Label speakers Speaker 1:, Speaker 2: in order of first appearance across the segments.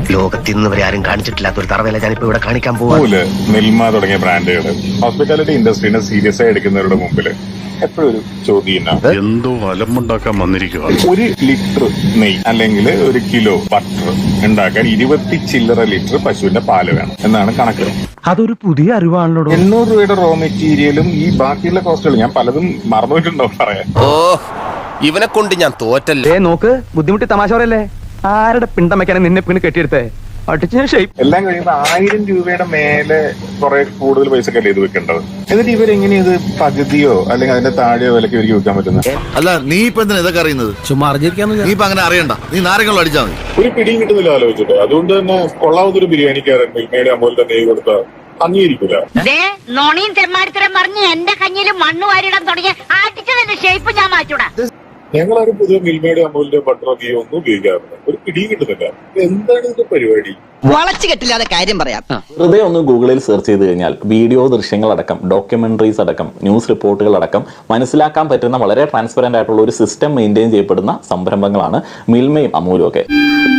Speaker 1: ലോകത്തിൽ നിന്ന് വരെ ആരും കാണിച്ചിട്ടില്ലാത്ത ഒരു തറവേല ഞാനിപ്പോ ഇവിടെ കാണിക്കാൻ പോകും.
Speaker 2: മിൽമ തുടങ്ങിയ ബ്രാൻഡുകൾ ഹോസ്പിറ്റാലിറ്റി ഇൻഡസ്ട്രീനെ സീരിയസ് ആയി എടുക്കുന്നവരുടെ മുമ്പിൽ എപ്പോഴും ഒരു ചോദ്യം
Speaker 3: എന്തോ അലമ്പുണ്ടാക്കാൻ വന്നിരിക്കുക.
Speaker 2: 1 ലിറ്റർ നെയ്യ് അല്ലെങ്കിൽ 1 കിലോ ബട്ടർ ഉണ്ടാക്കാൻ 20 ചില്ലറ ലിറ്റർ പശുവിന്റെ പാല് വേണം എന്നാണ് കണക്ക്.
Speaker 4: അതൊരു പുതിയ അറിവാണല്ലോ.
Speaker 2: 800 രൂപയുടെ റോ മെറ്റീരിയലും ഈ ബാക്കിയുള്ള കോസ്റ്റുകൾ ഞാൻ പലതും മറന്നുപോയിട്ടുണ്ടോ പറയാൻ.
Speaker 1: ഇവനെ കൊണ്ട് ഞാൻ തോറ്റല്ലേ.
Speaker 4: നോക്ക്, ബുദ്ധിമുട്ടി തമാശ പറയല്ലേ. ആരുടെ പിണ്ടം വെക്കാനും നിന്നെ പിന്നെ കെട്ടിയെടുത്തേ
Speaker 2: എല്ലാം കഴിയുമ്പോൾ 1000 രൂപയുടെ മേലെ കുറെ കൂടുതൽ പൈസ കല്ല് ചെയ്ത് വെക്കേണ്ടത്. എന്നിട്ട് ഇവരെങ്ങനെ ഇത് പകുതിയോ അല്ലെങ്കിൽ അതിന്റെ താഴെയോ വിലക്ക് ഇവർക്ക് വിൽക്കാൻ പറ്റുന്നത്?
Speaker 5: അല്ല, നീ ഇപ്പൊ എന്തിനാ ഇതൊക്കെ അറിയുന്നത്? ചുമ്മാ അറിഞ്ഞിരിക്കാന്ന്. നീ ഇപ്പൊ അങ്ങനെ അറിയണ്ട, നീ നാരങ്ങളും അടിച്ചാൽ മതി.
Speaker 2: ഒരു പിടിയും കിട്ടുന്നില്ല ആലോചിച്ചിട്ട്. അതുകൊണ്ട് തന്നെ കൊള്ളാവുന്നൊരു ബിരിയാണിക്കാരൻ മിൽമയുടെ അമൂലിന്റെ നെയ്യ് കൊടുത്താൽ അംഗീകരിക്കില്ല.
Speaker 6: നോണിയും തെമ്മാടിത്തരം പറഞ്ഞ് എന്റെ കഞ്ഞിലും മണ്ണ് വാരിടാൻ തുടങ്ങിയ ആട്ടിച്ചതിന്റെ ഷേപ്പ് ഞാൻ മാറ്റൂടാ.
Speaker 2: ഞങ്ങളാരും പൊതുവെ മിൽമയുടെ അമൂലിന്റെ ബട്ടറോ ഗീയോ ഒന്നും ഉപയോഗിക്കാറില്ല. ഒരു പിടിയും കിട്ടുന്നില്ല. എന്താണ് ഇതിന്റെ പരിപാടി?
Speaker 7: വളച്ചു കെട്ടില്ലാതെ കാര്യം പറയാം.
Speaker 8: വെറുതെ ഒന്ന് ഗൂഗിളിൽ സെർച്ച് ചെയ്ത് കഴിഞ്ഞാൽ വീഡിയോ ദൃശ്യങ്ങളടക്കം ഡോക്യുമെന്ററീസ് അടക്കം ന്യൂസ് റിപ്പോർട്ടുകൾ അടക്കം മനസ്സിലാക്കാൻ പറ്റുന്ന വളരെ ട്രാൻസ്പെറന്റ് ആയിട്ടുള്ള ഒരു സിസ്റ്റം മെയിൻറ്റെയിൻ ചെയ്യപ്പെടുന്ന സംരംഭങ്ങളാണ് മിൽമയും അമൂലും ഒക്കെ.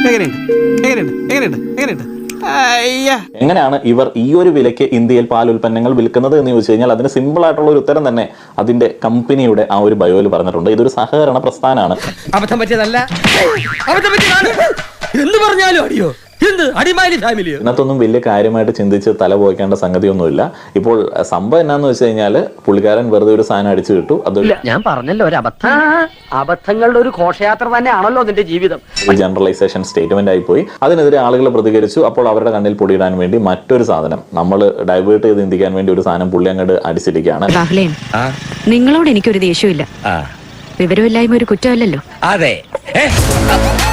Speaker 8: എങ്ങനെയാണ് ഇവർ ഈ ഒരു വിലയ്ക്ക് ഇന്ത്യയിൽ പാൽ ഉൽപ്പന്നങ്ങൾ വിൽക്കുന്നത് എന്ന് ചോദിച്ചു കഴിഞ്ഞാൽ അതിന് സിമ്പിൾ ആയിട്ടുള്ള ഒരു ഉത്തരം തന്നെ അതിന്റെ കമ്പനിയുടെ ആ ഒരു ബയോയിൽ പറഞ്ഞിട്ടുണ്ട്. ഇതൊരു സഹകരണ പ്രസ്ഥാനമാണ്.
Speaker 7: അബദ്ധം പറ്റിയതല്ല, അബദ്ധം പറ്റിയതാണ് എന്ന് പറഞ്ഞാലും അടിയോ
Speaker 8: ഇതിനകത്തൊന്നും വലിയ കാര്യമായിട്ട് ചിന്തിച്ച് തല പോയിക്കേണ്ട സംഗതിയൊന്നുമില്ല. ഇപ്പോൾ സംഭവം എന്നാന്ന് വെച്ച് കഴിഞ്ഞാല് പുള്ളിക്കാരൻ വെറുതെ ഒരു സാധനം അടിച്ചു കിട്ടു. അത്
Speaker 7: ഞാൻ പറഞ്ഞല്ലോ, ഒരു അബദ്ധം. അബദ്ധങ്ങളുടെ ഒരു ഘോഷയാത്ര തന്നെയാണല്ലോ നിന്റെ ജീവിതം.
Speaker 8: ജനറലൈസേഷൻ സ്റ്റേറ്റ്മെന്റ് ആയി പോയി. അതിനെതിരെ ആളുകൾ പ്രതികരിച്ചു. അപ്പോൾ അവരുടെ കണ്ണിൽ പൊടിയിടാൻ വേണ്ടി മറ്റൊരു സാധനം നമ്മൾ ഡൈവേർട്ട് ചെയ്ത് ചിന്തിക്കാൻ വേണ്ടി ഒരു സാധനം പുള്ളി അങ്ങോട്ട് അടിച്ചിരിക്കുകയാണ്.
Speaker 6: നിങ്ങളോട് എനിക്കൊരു ദേഷ്യമില്ല. വിവരമില്ലായ്മ ഒരു കുറ്റമല്ലല്ലോ.
Speaker 7: അതെ.